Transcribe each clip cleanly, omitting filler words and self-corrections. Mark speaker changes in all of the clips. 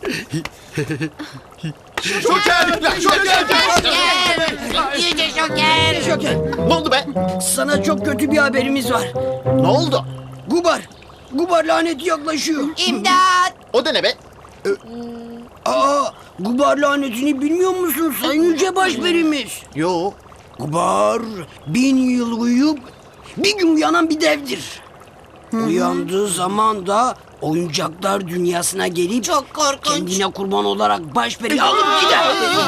Speaker 1: Şoker!
Speaker 2: Yüce Şoker.
Speaker 3: Şoker,
Speaker 1: Ne oldu be?
Speaker 3: sana çok kötü bir haberimiz var.
Speaker 1: Ne oldu?
Speaker 3: Gubar laneti yaklaşıyor.
Speaker 2: İmdat.
Speaker 1: O da ne be?
Speaker 3: Gubar lanetini bilmiyor musun Sayın Yüce Başperimiz?
Speaker 1: Yo.
Speaker 3: Gubar 1000 yıl uyuyup bir gün uyanan bir devdir. Uyandığı zaman da oyuncaklar dünyasına gelip
Speaker 2: Çok korkunç.
Speaker 3: kendine kurban olarak Başperi'yi alıp gider.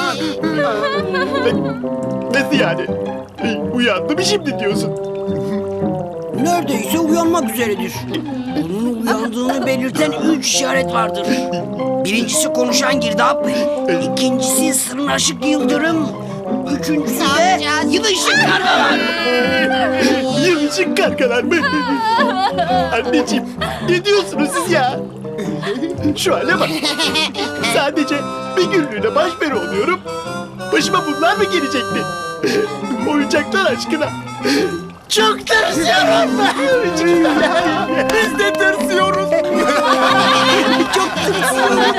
Speaker 1: Nasıl yani? Uyandı mı şimdi diyorsun?
Speaker 3: Neredeyse uyanmak üzeredir. Onun uyandığını belirten 3 işaret vardır. Birincisi konuşan girdap, ikincisi sırnaşık yıldırım, üçüncüsü
Speaker 2: Ne
Speaker 3: de
Speaker 2: yapacağız?
Speaker 3: yılışık kargalar.
Speaker 1: Yılışık kargalar mı? Anneciğim, ne diyorsunuz siz ya? Şu hale bak. Sadece bir günlüğüne başperi oluyorum. Başıma bunlar mı gelecekti? Oyuncaklar aşkına. Çok tırsıyorum ben. Biz de tırsıyoruz.
Speaker 3: Çok tırsıyorum.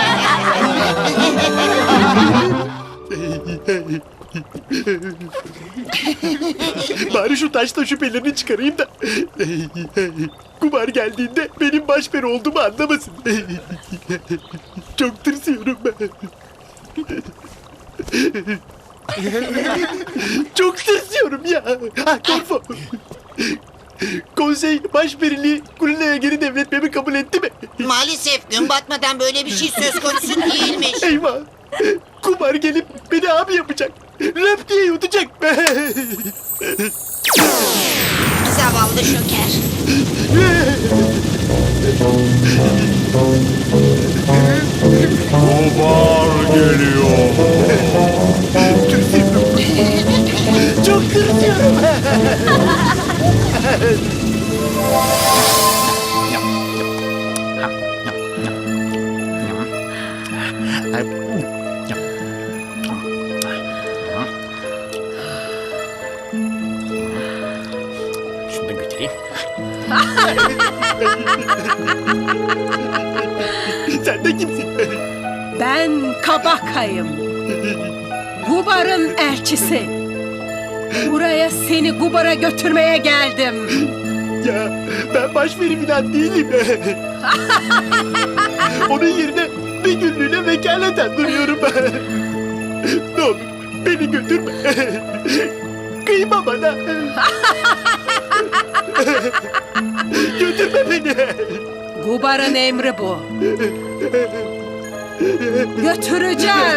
Speaker 1: Bari şu taşla şüphelerini çıkarayım da Kumar geldiğinde benim başperi olduğumu anlamasın. Çok tırsıyorum ben. Çok tırsıyorum ya. Korfu. Konsey başperiliği Kulina'ya geri devretmemi kabul etti mi?
Speaker 2: Maalesef gün batmadan böyle bir şey söz konusu değilmiş.
Speaker 1: Eyvah. Kumar gelip beni abi yapacak. Rap diye yutacak.
Speaker 2: Zavallı Şoker.
Speaker 4: Kumar geliyor.
Speaker 1: Tırsıyorum. Çok tırsıyorum.
Speaker 4: Şunu da götüreyim.
Speaker 1: Sen de kimsin?
Speaker 5: Ben Kabakayım. Gubar'ın elçisi. Buraya seni Gubar'a götürmeye geldim.
Speaker 1: Ya ben başperi falan değilim. Onun yerine bir günlüğüne vekaleten duruyorum. Ne olur beni götürme. Kıyma bana. Götürme beni.
Speaker 5: Gubar'ın emri bu. Götüreceğim.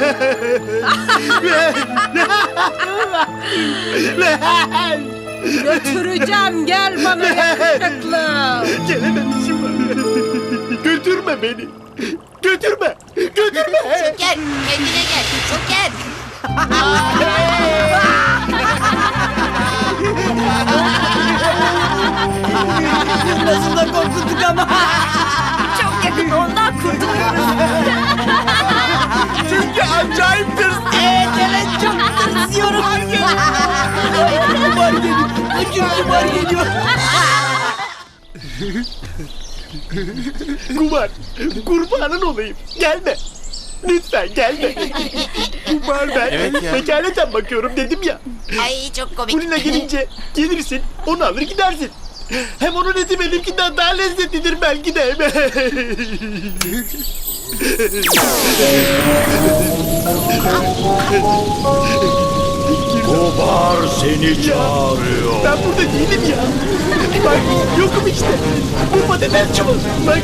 Speaker 5: Götüreceğim. Gel bana yakışıklı.
Speaker 1: Gelememişim. Götürme beni. Götürme. Götürme.
Speaker 2: Şoker kendine gel. Şoker.
Speaker 3: Nasıl da korkuttuk ama.
Speaker 5: Çok yakın ondan kurtuluyoruz.
Speaker 1: Çünkü acayip tırs.
Speaker 3: Evet çok tırsıyorum. Gubar geliyor. Gubar geliyor.
Speaker 1: Kumar, kurbanın olayım. Gelme. Lütfen gelme. Kumar ben vekaleten bakıyorum dedim ya.
Speaker 2: Ay çok komik.
Speaker 1: Kulina gelince gelirsin, onu alır gidersin. Hem onun eti benimkinden daha lezzetlidir belki de.
Speaker 4: Kumar seni çağırıyor.
Speaker 1: Ben burada değilim ya. Bak yokum işte. Bu patates çubuğu. Bak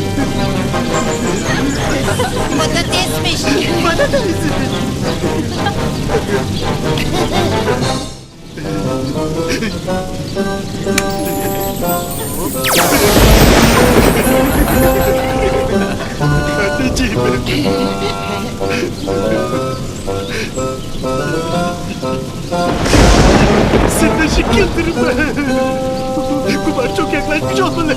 Speaker 2: Patatesmiş.
Speaker 1: patates. Anneciğim. Sırnaşık yıldırım. Kumar çok yaklaşmış olmalı.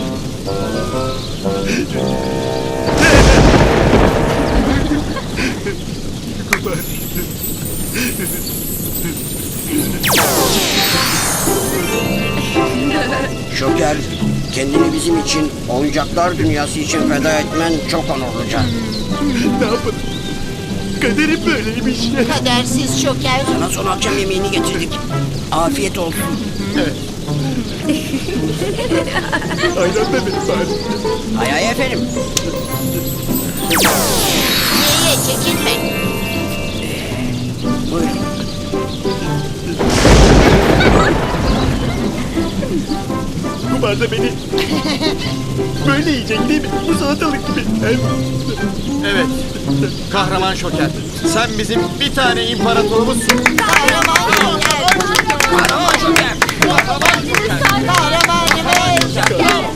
Speaker 1: Kumar.
Speaker 3: Şoker kendini bir bizim için, oyuncaklar dünyası için feda etmen çok onurluca.
Speaker 1: Ne yapalım? Kaderim böyleymiş.
Speaker 2: Kadersiz Şoker.
Speaker 3: Sana son akşam yemeğini getirdik. Afiyet olsun.
Speaker 1: Aynen da benim bari.
Speaker 3: Hay hay efendim.
Speaker 2: Ye çekinme.
Speaker 3: Buyurun.
Speaker 1: Kumarda beni böyle yiyecek değil mi? Bu salatalık gibi.
Speaker 6: Evet. Kahraman Şoker. Sen bizim bir tane imparatorumuzsun.
Speaker 2: Kahraman Şoker.
Speaker 3: Kahraman Şoker.
Speaker 2: Kahramanımız.